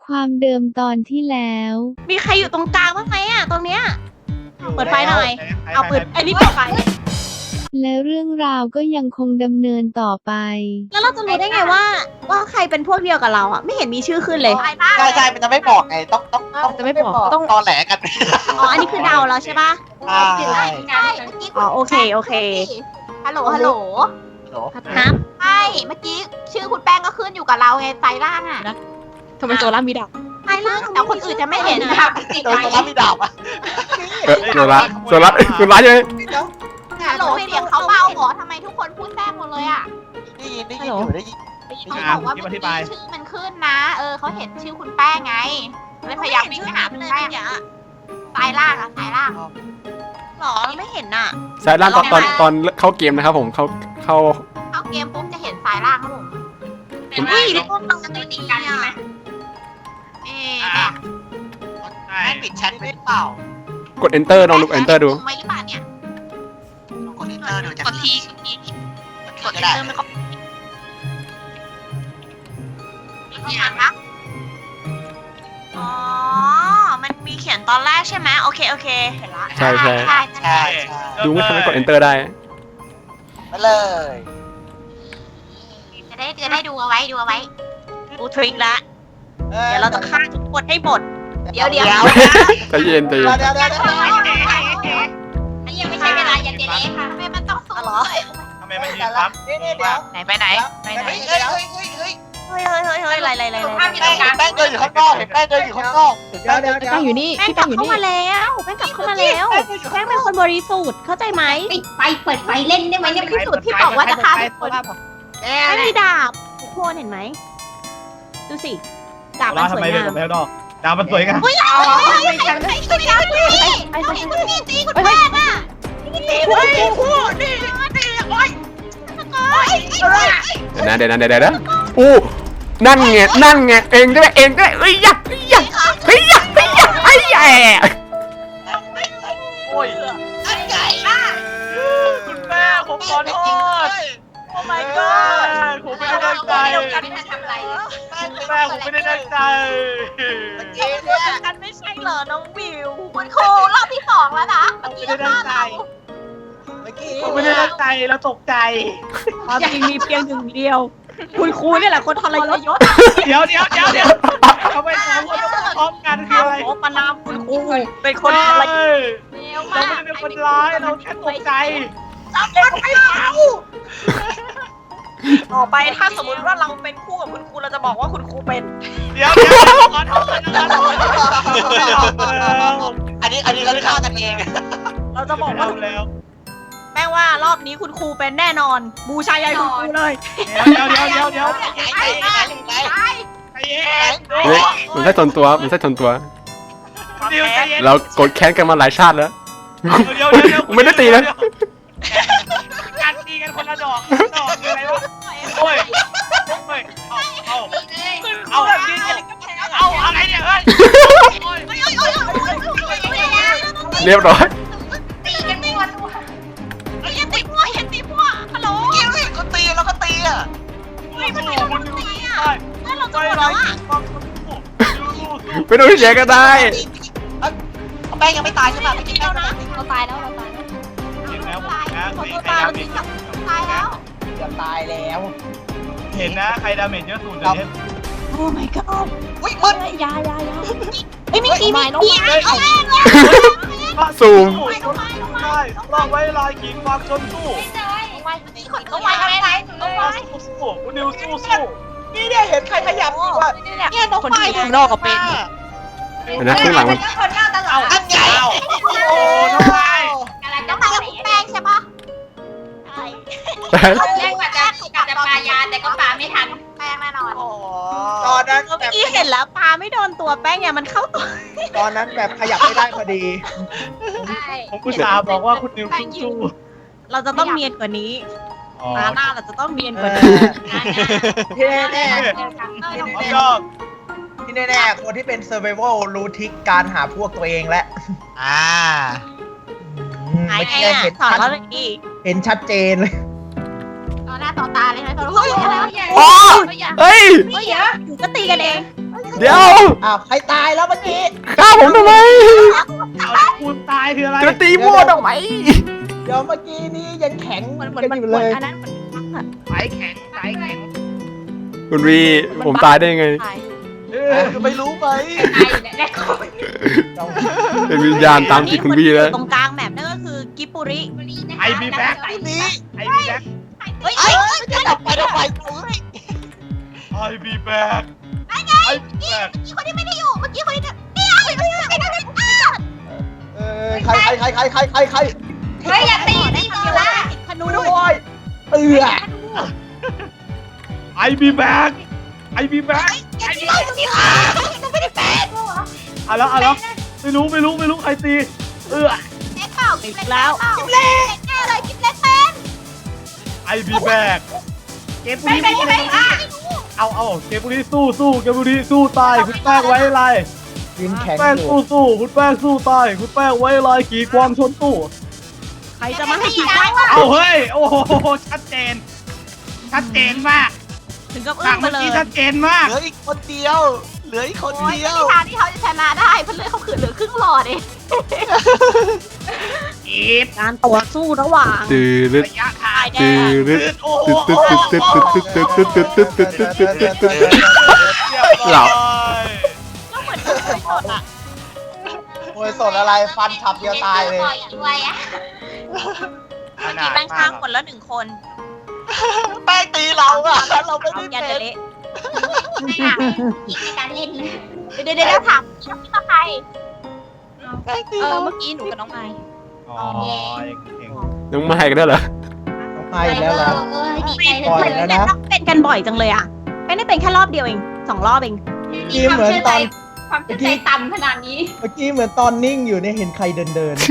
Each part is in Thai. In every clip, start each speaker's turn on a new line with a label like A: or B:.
A: ความเดิมตอนที่แล้ว
B: มีใครอยู่ตรงกลางบ้างไหมอะตรงเนี้ยเปิดไฟหน่อยเอาเปิดไอ้นี่เปิดไฟ
A: และเรื่องราวก็ยังคงดำเนินต่อไป
B: แล้วเราจะรู้ได้ไงว่าใครเป็นพวกเดียวกับเราอะไม่เห็นมีชื่อขึ้นเลย
C: ใช่มันจะไม่บอกไงต้อง
B: จะไม่บอกต้อง
C: ตอแหลกัน
B: อ๋ออันนี้คือเดาแล้วใช่ปะ
C: ใช่
B: อ๋อโอเค
D: ฮัลโหลฮัลโหล
B: ฮะ
D: ใช่เมื่อกี้ชื่อคุณแป้งก็ขึ้นอยู่กับเราไงไซล่างอ่ะ
B: ทำไมตัวล่ามีดาบ
D: ไซล่างแต่คนอื่นจะไม่เห็นนะคะ
C: โดนตัวรับมีดาบอ่ะ
E: โซล่าใช่ไหม
D: ฮัลโหลเสียงเขาเบาเหรอทำไมทุกคนพูดแทรกหมดเลยอ่ะ
C: ได้ยินอยู่ได้ยิน
D: เขาบอกว่าเมื่อกี้ชื่อมันขึ้นนะเขาเห็นชื่อคุณแป้งไงเลยพยายามวิ่งไปหาคุณแป้งไซล่างอะไซล่าง
B: หรอไม่เห็นน่ะ
E: สายล่างตอนเข้าเกมนะครับผมเข้า
D: เข้าเกมปุ๊บจะเห็นไซล่างครับผม
B: เฮ้ยแล้วพวกเราจะตีกันไหม
C: แม่ปิดแชทไม่เปล่าก
E: ด enter ลองดู enter ดู
D: ไม่หรือเปล่าเนี่ย
C: กดอินเตอร์ดูจะ
B: กดที
C: กดได้
D: มีกี่อันคะ
B: อ๋อมันมีเขียนตอนแรกใช่ไหมโอเคเห็นละ
E: ใช่
C: ใช่
E: ดูไม่ทันกด enter ได้
C: ไปเลย
D: จะได้ดูเอาไว้
B: รู้ทริคละเดี๋ยวเราจะฆ่าทุกคนให้หมด
D: เดี๋ยว
E: ใจเย็น
D: อันนี้ยังไม่ใช่เวลายันเดเล่ค่ะทำไมมันต้องสู้เหรอ
F: ทำไมมันยืนปั๊บ
C: นี่เดี๋ยว
B: ไหนไปไหน
C: เฮ้ย
B: เฮ้ยอะไร
C: แป้งเดินอยู่ข้างนอกเห็นแป้งเดินอยู่ข้างนอกเดี๋ยว
B: แป้งอยู่นี่แป้งกลับเข้ามาแล้วแป้งกลับเข้ามาแล้วแป้งเป็นคนบริสุทธิ์เข้าใจไหม
D: ไปเปิดไฟเล่นได้ไหมเนี่ยที่สุดที่บอกว่าจะฆ่าทุกคน
B: แป้งมีดาบทุกคนเห็นไหมดูสิดาบมัน
F: ทำ
B: สว
F: ไม
B: ย
F: เดิน
B: งาม
F: ไปข้างนอกดาวมันสวยงาม
D: ไม่ตีคุณแม่น่ะตีคุณ
E: เดี๋ยวนะอู้นั่นไงเองด้วยเอ้ยยักเฮ้ยไอ้แย่
F: โอ้ย
D: อันใหญ่
F: คุณแม่ผมขอโทษโอ้ my god ผมไม่ได้ตั้งใจ
D: ทำอะไร
F: คุณแม่ผมไม่ได้ตั้งใจ
B: กันไม่ใช่เหรอน้องวิว
D: คุณครูรอบที่2แล้วนะเมื่อกี้
F: ไม่ได้ตั้งใจ
C: เมื่อกี้
F: ผมไม่ได้ตั้งใจแล้วตกใจ
B: ความจริงมีเพียงหนึ่งเดียว คุณครูนี่แหละคนทรยศ
F: เดี๋ยวทำไมสองคนต้องพร้อมกันคืออะไร
B: โอ้ประนามคุณครูเป็นคนทรยศ
F: เราไม่ได้เป็นคนร้ายเราแค่ตกใจ
B: ต่อไปถ้าสมมติว่าเราเป็นคู่กับคุณครูเราจะบอกว่าคุณครูเป็น
F: เดี๋ยวขอโทษ
C: อันนี้เขาฆ่ากันเอง
B: เราจะบอกว่า
F: แล้ว
B: แม่ว่ารอบนี้คุณครูเป็นแน่นอน บูชายันคุณครูเลย
F: เดี๋ยว
C: ไอ้
F: ใจเย็น
E: มันใช่ทนตัวเรากดแค้นกันมาหลายชาติแล้วไม่ได้ตีนะ
F: การตีกันคนละดอกคืออะไรวะโอ้ยเอายืนเอาอะไรเนี่ยเฮ้ย
E: เรียบร้อย
D: ตีกันไม่วันยันตีพวกฮัลโหล
C: ก็ตีแล้วก็ตีอ่ะ
D: นั่นเราจะหมดแล้วอ่ะ
E: ไม่ต้องแย่ก็ได้
C: แป้งยังไม่ตายใช่ไหมไม่กินแป้งนะ
D: เราตายแล้วเราตายแล้วตายแล้ว
C: จะตายแล้ว
F: เห็นนะใครดาเมจเยอะสุดเดี๋ยวนี้
B: โอ้ my god
C: อุ้ยมึน
B: ยาเอ้ยไม่ตีไม่น้อง
D: เอาแม่เลย
E: ซูม
F: ใช่ลองไว้ลายขีดความชนสู้
D: นี่คนต้องไว้อะไรต้องไว้
F: สู้คุณนิวสู้
C: นี่เนี่ยเห็นใครขยับอยู่อ่ะเนี่ยน้องไฟ
B: นอกกับเป็น
E: นะข้างหลังมัน
D: คนหน้าตลอด
C: อันใหญ่
F: โอ้น้องไม้
D: อะไรต้องไปกับแป้งใช่ปะ
E: ใช่
D: แป้งกว่าจะปลายาแต่ก็ปลาไม่ทันแป้งแน่นอน
C: ตอนนั้น
B: เมื่อกี้เห็นแล้วปลาไม่โดนตัวแป้งไงมันเข้าตัว
C: ตอนนั้นแบบขยับไม่ได้พอดี
F: ผมอุตส่าห์บอกว่าคุณนิวสู้
B: เราจะต้องเนียนกว่านี้
F: อ๋อ
B: ตาหน้าเราจะต้องเนียนกว่านี้
C: ที่แน่
F: ชอบ
C: ที่แน่คนที่เป็น survival รู้ทริคการหาพวกตัวเองแล้ว
B: หาย
C: เมื่อ
B: ไง
C: กี้
B: อ่ะ
C: เห็น
B: สอน
C: ชัด
B: เราเลยดิ
C: เห็นชัดเจนเลย
D: ต่อหน้าต่อตาเลยนะเขาเฮ้ยอะไรวะ
E: อ๋อเฮ้ย
B: อยู่ก็ตีกันเอง
E: เดี๋ยว
C: อ้าวใครตายแล้วเมื่อกี้
E: ฆ่าผมทำไม
F: เอาคุณตายคืออะไร
E: จะตีมั่วทำไม
C: เดี๋ยวเมื่อกี้นี้ยังแข็ง
B: เหมือน
C: กันอยู่เลย
B: อันนั้นเหมือน
F: สายแข็งสายแข็ง
E: คุณวีผมตายได้ยังไง
F: ไม่รู้ไหม
E: เป็นวิญญาณตามติดคุณวีแล้ว
B: ตรงกลางแมปนั่นก็คือกิปุริ
F: ไอบีแบ็คนี้ไอบีแบ็ค
B: เฮ้ย
C: จะดับไปทำไม
F: ไอบีแบ็คไอบีแบ็ค
B: คนที่ไม่ได้อยู่เมื่อกี้คนที่นี่
C: ใคร
D: เฮ้ยอย่าตีโซล่า
B: ขนู
C: ด้วยเออ
F: ไอบีแบ็คไอบีแบ็ค เอาแล้วไม่รู้ใครตี
B: เ
F: เ
B: ล็กเปล่ากินแล้วกินเล็กแน่เลยกินเล็กเป็น
F: ไอบีแบ็คเกมบุรีเอาเกมบุรีสู้เกมบุรีสู้ตายคุณแป้งไว้ไร
C: ยิงแข็ง
F: แป้ง
C: อยู่
F: สู้คุณแป้งสู้ตายคุณแป้งไว้ไรขี่ความชนตู้
B: ใครจะมาให้ขี่ได้
F: เอาเฮ้ยโอ้โหชัดเจนมาก
B: ถึงกับ
F: หนั
B: อึ้
F: ง
B: งไป
F: เมื่อ
B: เลย
F: กี้ชัดเจนมาก
G: เหลืออีกคนเดียว เหลืออีกคน
D: โอ้ย
G: เดียว
D: ไม่มีทางที่เขาจะชนะได้เพราะเลือดเขาขืนเหลือครึ่งหลอดเอง
F: อีด
B: การต่อสู้ระหว่าง
E: ตื่น
F: ระยะทาง
E: ตื่น
F: โอ้โห
E: หลับ
B: ก็เหมือนเคยสดอ่ะ
C: มวยสดอะไรฟันฉับเดียวตายเลย
D: รวยอ่ะ
B: มีแป้งข้างคนละ1 คน
G: แป้งตีเราอะเราไม่ได้
B: ยัน
G: เป็น
B: เละ
D: ไม่ค่ะอีกในการเล่นเดี๋ยวถามพี่มาใคร
G: แป้งตีเรา
B: เมื่อกี้หนูกับน้องไม้
F: อ๋อเก่ง
E: น้องไม้กันได้เหรอ
C: ต้องให้แล้วล่ะ
D: ดีใจ
C: ปล่อยแล้วนะ
B: เป็นกันบ่อยจังเลยอ่ะไม่ได้เป็นแค่รอบเดียวเอง2 รอบเอง
C: กี้เหมือนตอน
D: ความเชื่อใจต่ำขนาดนี้
C: เมื่อกี้เหมือนตอนนิ่งอยู่เนี่ยเห็นใครเดิน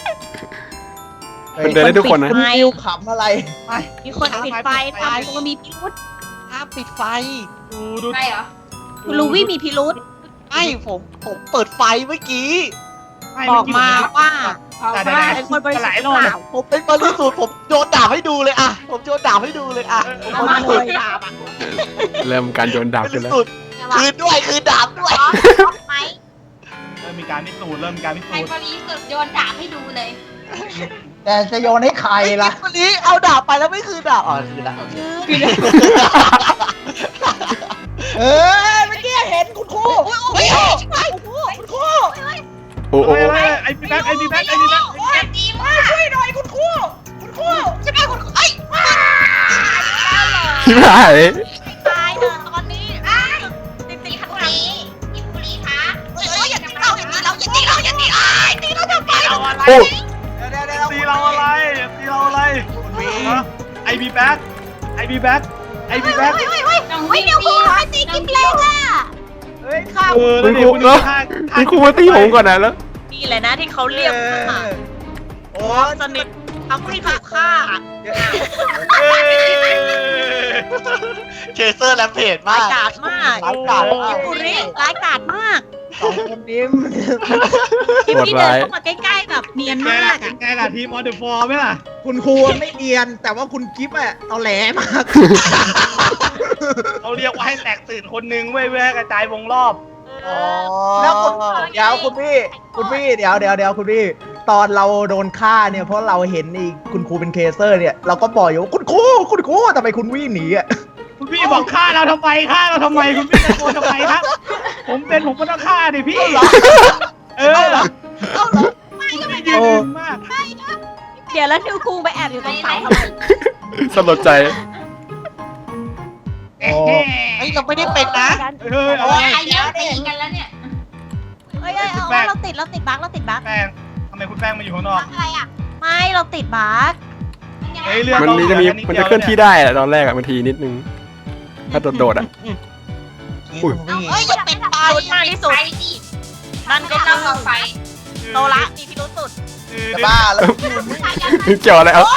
E: มันเดินได้ทุกคนนะ
C: คุณฟิวขำอะไร
B: มีคนปิดไฟทำตัวมีพิรุษ
G: ห้ามปิดไฟ
F: ดู
D: ใช่เหรอ
B: คุณลูวี่มีพิรุษ
G: ไม่ผมเปิดไฟเมื่อกี้
B: บอกมาว่า
F: แต่
B: เป็นคนบริสุท
F: ห
B: ธิ์
F: ลาย
B: ห
F: ร
B: รือ
F: อบ
B: เปล่า
G: ผมเป็นบริสุทธิ์ผมโยนดาบให้ดูเลยอะผมโยนดาบให้ดูเลยอะ
B: เอามาเลยดาบ
E: เริ่มการโยนดาบบ กัน
G: ริ
E: แล้ว
G: สุทธิ์คืนด้วยคืนดาบด้วย
B: ไหม
F: เริ่มมีการพิสูจน์
D: ใครบริสุทธิ์โยนดาบให้ดูเลย
C: แต่จะโยนให้ใครล่ะ
G: วันนี้เอาดาบไปแล้วไม่คืนดาบอ๋อคืนแล้วโอเค
C: เออเมื่อกี้เห็นคุณครู
B: เฮ้ย
C: คุณครู
E: โอ้โห
F: ไอบีแบ็ค
D: ดีมาก
C: ช่วยหน่อยคุณครูคุณครู
B: จะได้คุณไอ้
E: พี่ไม้
B: ตายเถอะตอนนี้ติด
D: ดี
B: ข้าง
D: คุ
B: หลัง
D: รีอิคุรีคะ
B: อย่าตีเราอย่าตีเราอย่าตีเราอย่าตีตีเราทำไม
F: เราอะไร
E: โอ้
F: ตีเราอะไรไอบีแบ็ค
B: เฮ้ยเดี๋ยวคุณไปตีกิมเล้งอ่ะ
C: เฮ้ยข้าว
E: คุณครูเนาะคุณครูมาตีผมก่อนนะแล้ว
B: นี่แหละนะที่เขาเรียกว่า
C: โอ้
B: สนิททำให้ถูกฆ่า
G: เคเซอร์แลมเพจ
B: ร้าม
G: าย ก
B: กาจมาก
C: ร้ายกาจ
B: กิมบุริร้ายกาจมาก
C: สองคนนี้
B: กิมที่เดินเข้ามาใกล้ๆแบบเนียนมาก
F: ไงล่ะทีมออเดอร์ฟอร์ไหมล่ะ
C: คุณครูไม่เนียน แต่ว่าคุณกิฟต์อะเอาแหลมาก
F: เขาเรียกว่าให้แตกตื่นคนนึงเว้ยกระจายวงรอบ
C: แล้วเดี๋ยวคุณพี่เดี๋ยวคุณพี่ ตอนเราโดนฆ่าเนี่ยเพราะเราเห็นนี่คุณครูเป็นเคเซอร์เนี่ยเราก็บอกอยู่ว่าคุณครูทำไมคุณวิ่งหนีอ่ะ
F: คุณพี่บอกฆ่าเราทำไมคุณพี่ตะโกนทำไมครับผมก็ต้องฆ่าดิพี่ไม่ยืนมาก
B: เดี๋ยวแล้วนิวคุงไปแอบอยู่ตรงเสาทำไม
E: สลดใจ
G: เฮ้ยเราไม่ได้เป็นนะ
F: เอา
D: ใครเยอะตีกันแล้วเนี่ย
B: เฮ้ยเราติดบั๊ก
F: แป้งทำไมคุณแป้งมาอยู่ข้างนอก
D: อะไรอ่ะ
B: ไม่เราติดบั๊ก
E: มันจะเคลื่อนที่ได้อะตอนแรกอะบางทีนิดนึง ถ้าโดดๆอะ อุ้ย
B: เฮ้ยอย่าปิดไฟมากที่สุด
D: ไปดิ
B: นั่นก็
D: เรา
B: คือ
D: ไฟ
B: โตละมีพิรุษสุด
C: จะบ้าแล้ว
E: เกี่ยวอะไรเอา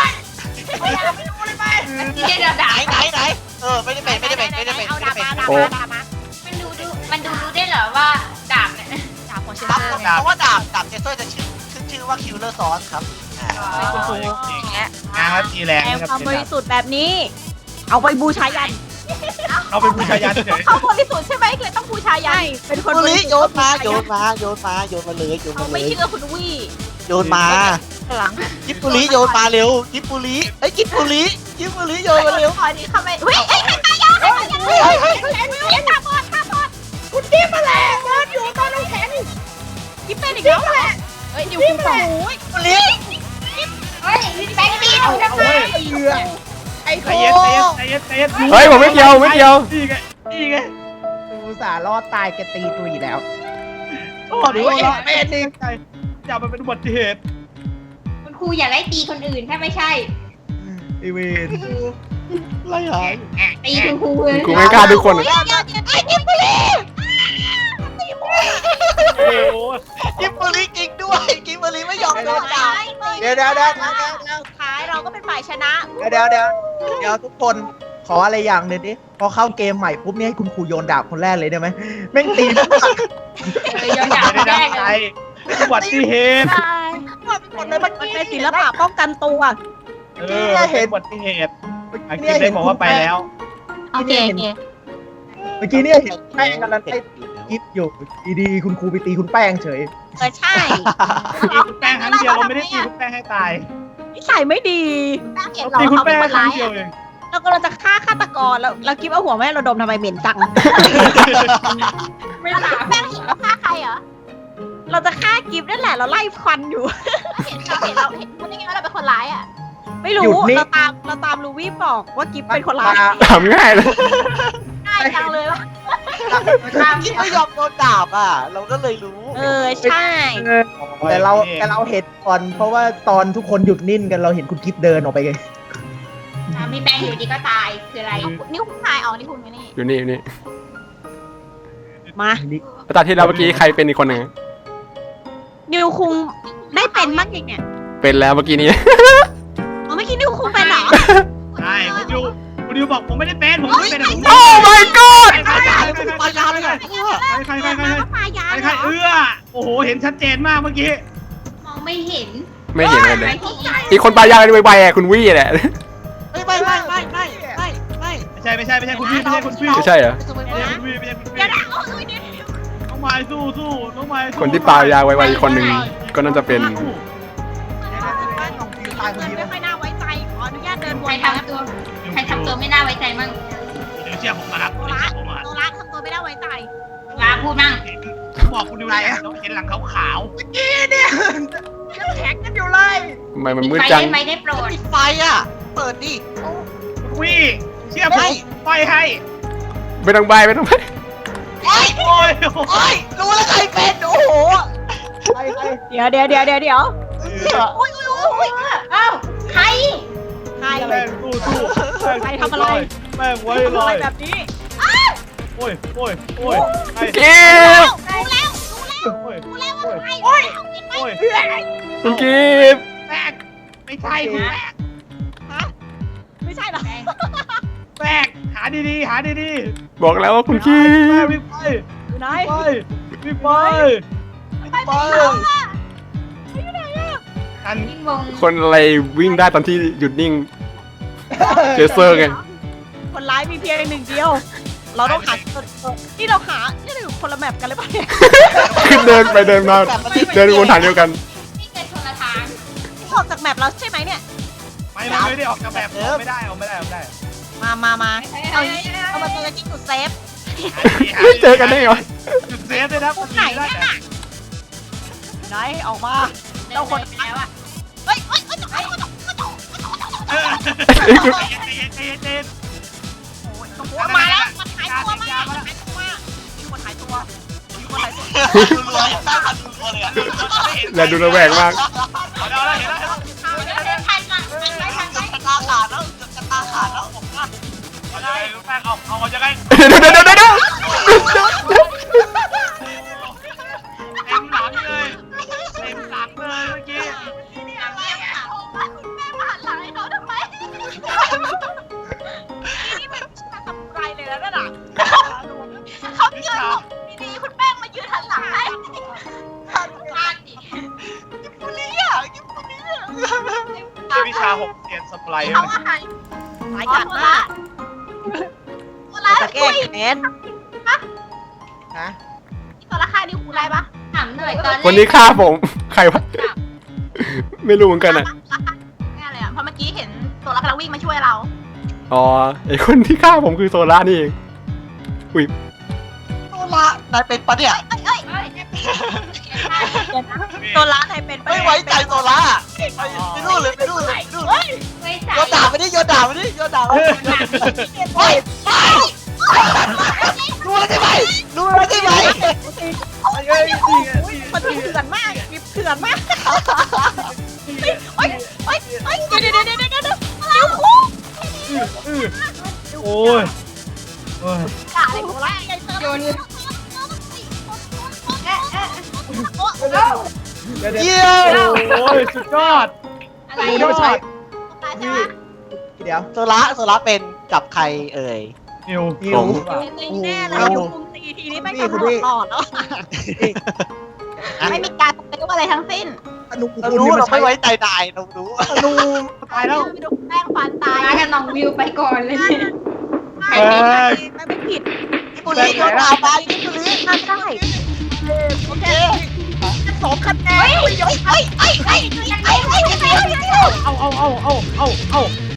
D: ที่เดียวดาบ
G: ไหนไม่ได้เป็น
B: เอาดาบมา
D: มันดูรู้ได้เหรอว่าดาบเนี่ย
B: ดาบของเช
G: ครับ
B: เซอร์
G: เพราะว่าดาบเจสเซอร์จะชื่อว่าคิวเลอร์ซอสครับ
B: และ
F: งานครับทีแรง
B: แอ
F: นะครับ
B: ความบริสุทธิ์แบบนี้ เอาไปบูชายัน
F: เราเป็นผู้ชายยันเฉย
D: เขาบริสุทธิ์ใช่ไหมเลยต้องบูชายัน
G: เป็นคนนี้โยนมาเลยโยนมาเลยโยน
D: เขา
G: มา
D: ไม่
G: เลย
D: เชื่อคุณวี่
G: โยนมากิบบุรีโยนมาเร็วกิบบุรีกิบบุรีโยนมาเร็ว
D: ขอดีเข้าไปเฮ้ยใครตายยังใครตายยังเฮ้ยตาบอดคุณกิ๊บมาแล้วเดินอยู่ตอนน้ำแข็งกิ๊บเป็นอีกแล้วแหละเฮ้ยอยู่คุณสองโอ้ย
G: บุรี
D: เฮ้ยแบงค์ดีเอาทำไม
F: ๆใจเย็นรู้
E: เฮ้ยผมไม่เกี่ยวไม่เกี่ยว
F: นี่ไง
C: อุตส่าห์รอดตายแกตีตุยแล้ว
F: โอ้ดูว่าเป็นนี่อย่ามันเป็นอุบัติเหตุ
H: คุณครูอย่าไล่ตีคนอื่นถ้าไม่ใช่
C: ไอเวน
G: อะไรหาย
H: ตีคุณครูเลย
E: กูไม่กล้าทุกคน
D: เดี๋ยวไอ้กิ๊บไปเลย
F: โอ้โห
G: กิบบุรีจริงด้วยกิบบุรีไม่ยอมโดนด่า
C: เดี๋ยว
D: ท้ายเราก็เป็นฝ่ายชนะ
C: เดี๋ยวทุกคนขออะไรอย่างหนึ่งดิพอเข้าเกมใหม่ปุ๊บเนี่ยให้คุณครูโยนดาบคนแรกเลยได้ไหมแม่งตีทุกคน
H: ย้อนดาบ
F: ไม่ได้
H: แร
F: ตั้ง
H: ก
F: ใจ
H: เลย
F: เป็นอุบัติเหตุ
D: มันเป็นศิลปะป้องกันตัว
F: เป็นอุบัติเหตุไอ้คิดได้บอกว่าไปแล้ว
H: โอเคโอเค
C: เมื่อกี้เนี่ยเห็นแป้งกันแล้วไอ้กิฟอยู่ดีๆคุณครูไปตีคุณแป้งเฉย
D: ใช่
F: ตีคุณแป้งครั้งเดียวเราไม่ได้ตีคุณแป้งให้ตาย
D: นิสัยไม่ดีเห็นเรา
F: ตีคุณ
D: เขาเป็
F: แป้
D: น
F: ง
D: คน
F: ครั้
D: ร้าง ย
F: เดียวเอง
D: เรากำลังจะฆ่าฆาตกรแล้วเรากิ๊บเอาหัวแม่เราดมทำไมเหม็นจัง
H: ไม่ถาม
D: แป้งเห็นเราฆ่าใครเหรอเราจะฆ่ากิ๊บนั่นแหละเราไล่ควันอยู่เห็นเราเห็นคุณได้ไงว่าเราเป็นคนร้ายอ่ะไม่รู้เราตามลูวี่บอกว่ากิ๊บเป็นคนร้าย
E: ถามง่ายเลย
D: ง่ายจังเลยวะ
G: กิบไม่ยอมโดนด่าเราก็เลยรู้
D: ใช่
C: แต่เราเห็นก่อนเพราะว่าตอนทุกคนหยุดนิ่งกันเราเห็นคุณกิฟเดินออกไปไง
H: มีแปลงอยู่ดีก็ตายคืออะไร
D: นี่คุณชายอ๋อนี่คุณไม่นี่
E: อยู่นี่อยู่นี่
D: มา
E: ตอนที่เราเมื่อกี้ใครเป็นอีกคนหนึ่ง
D: นิวคุงได้เป็นมั้งอีกเนี่ย
E: เป็นแล้วเมื่อกี้นี้
D: อ๋อเมื่อกี้นิวคุงเป็นเหรอ
F: ใช่คุณดิวบอกผมไม่ได้เป็นผมไม่ได้เป็นผม
E: โอ้ my god
F: ใคร
G: ปายาเลยค่ะ
F: ใคร
D: ปายา
F: โอ้โหเห็นชัดเจนมากเมื่อกี้
H: มองไม่เห็น
E: ไม่เห็นเลย
H: ไปที่
E: อีกคนปลายางไวๆอ่ะคุณวี่แหละ
G: ไม่
F: ไม่ใช่คุณพี่ไม่ใช่คุณพี่
E: ไม่ใช่เหรอ
F: ไม่ใช่คุณพี่น้องไม้สู้น้องไม้
E: คนที่ปลายางไวๆอีกคนหนึ่งก็น่าจะเป็น
C: ตายคนเดียว
D: ไม่ค่อยน่าไว้ใจขออนุญาตเดินว
H: ใคร
D: น
H: ทำตัวไม่น่าไว้ใจมั่ง
F: เดี๋ยวเชื่อผมมาครับ
D: โนรักทำตัวไม่น่าไว้ใจ
H: ลาพูดมั่ง
F: บอกคุณดิวเลยเราเห็นหลังขาว
D: แข็งกันอยู่เลย
E: ทำไมมันมืด
H: ไป
E: จัง
H: ได้ไหมได้โปรด
G: ปิดไฟเปิดดิ
F: ๆวี่เชื่อผมไปให้
E: ไม่ต้องใบไม่ต้องใบ
F: โอ้ย
G: รู้แล้วใครเป็นโอ้โห
D: เดี๋ยว
H: อ้าวใคร
D: ใคร
F: แม่งสู้แม่งไว้ลอย
D: แบบนี้
F: โอ้ย
E: เก็บ คุณกิฟต์
F: แป้งไม่ใช่คุณแป้ง
D: ไม่ใช่หรอ
F: แป้งหาดี
E: บอกแล้วว่าคุณกิฟต์
F: วิ่งไป
D: อยู่ไหน
F: วิ่งไปอัน
H: วิ่งวง
E: คนอะไรวิ่งได้ตอนที่หยุดนิ่ง เจสเซอร์ไง
D: คนร้ายมีเพียงหนึ่งเดียว เราต้องหานี่เราอยู่คนละแมปกันเลยป่ะเนี่ย
E: ขึ้นเดินไปเดินมาเดินวนทางเดียวกัน
H: วิ่งกันคนละทาง
D: ออกจากแมปเราใช่ไหมเนี่ย
F: ไม่ได้ออกจากแบบไม่ได้
D: มาเอามาเจอกันที่จุดเซฟ
E: เจอกันได้เหรอ
F: จุดเซฟเลยนะ
D: ไหนเนี่ยไหนออกมาเราคน
H: แล้วอ่ะ
D: เฮ้ย มาแล้วมันหายตัวมากมีคนหายตัว
G: ดูรัวตั้งดูรัวเลย
E: และดูระแวงมาก
H: เดินทันมาไปทันไป
G: กระตาขาดแล้วผมว่า
F: แป้งเอาจะไง
E: เดี๋ยว
F: เต็มหลังเลยเมื่อกี้
D: คุณแม่มาหันหลังให้น้องทำไมนี่มันทำไรเลยแล้วน่ะเขายืนดีๆคุณแป้งมายืนหันหลังให้
H: พลาดดิ
F: วิชา6เรียนสปาย
D: เขาว่าหายกัดมากแก้แค้น
C: ฮะ
D: ที่ตัวละค่านี่ครูได้ปะ
H: ถามหน่อยตอนแรก
E: คนนี้ฆ่าผม ใครวะ ไม่รู้เหมือนกันอ่ะ
D: แน่เลยอ่ะเพราะเมื่อกี้เห็นตัวละครวิ่งมาช่วยเรา
E: อ๋อ ไอคนที่ฆ่าผมคือโซล่านี่เอง อุ้ย
G: โซล่านายเป็นปะเนี่ย
D: ตัวละไทยเป็น
G: ไม่ไว้ใจโซล่าไปนู่นเลยไปนู่นเลยไปนู่นเลย
H: ไม่ใส่
G: โยนด่าไปดิโยนด่าไปดิโยนด่าไปดิโอ้ยรู้แล้วใช่ไหมรู้แล้วใช่ไหม
D: มันเถื่อนมากมีเถื่อนมากโอ๊ยเดี๋ยวแล้วครู
F: โอ้ยโอ้ย
D: ด่าเลยตัวละไงโยน
C: เดี๋ยว
G: เยี่ยม
F: โอ้ยสุดยอด
H: อะไร
C: กูนี่มาใช้
D: ตายใช่ไหม
C: เดี๋ยว
G: โซล่าเป็นกับใครเอ่ย
F: นิว
C: นิ
E: ผ
C: ว
E: ม
D: แน่เลยอยู่คุมตีทีนี้ไม่กำหนดหลอดแล้วไม่มีการปฏิบัติอะไรทั้งสิ้น
C: อนุ
G: เรา
C: คุณ
G: รู้
C: นี่มา
G: เรา
C: ใช้
G: ไม่ไว้ใจนายเรารู้
C: อนุ
F: ตายแล้ว
D: ดูแป้งฟันตาย
H: มากับน้องวิวไปก่อนเลยเนี่ย
D: ไม่ผิด
G: กิปุริโยนด่าไปกิปุริ
D: ทำได้โอเคสองคะแนน
F: เอา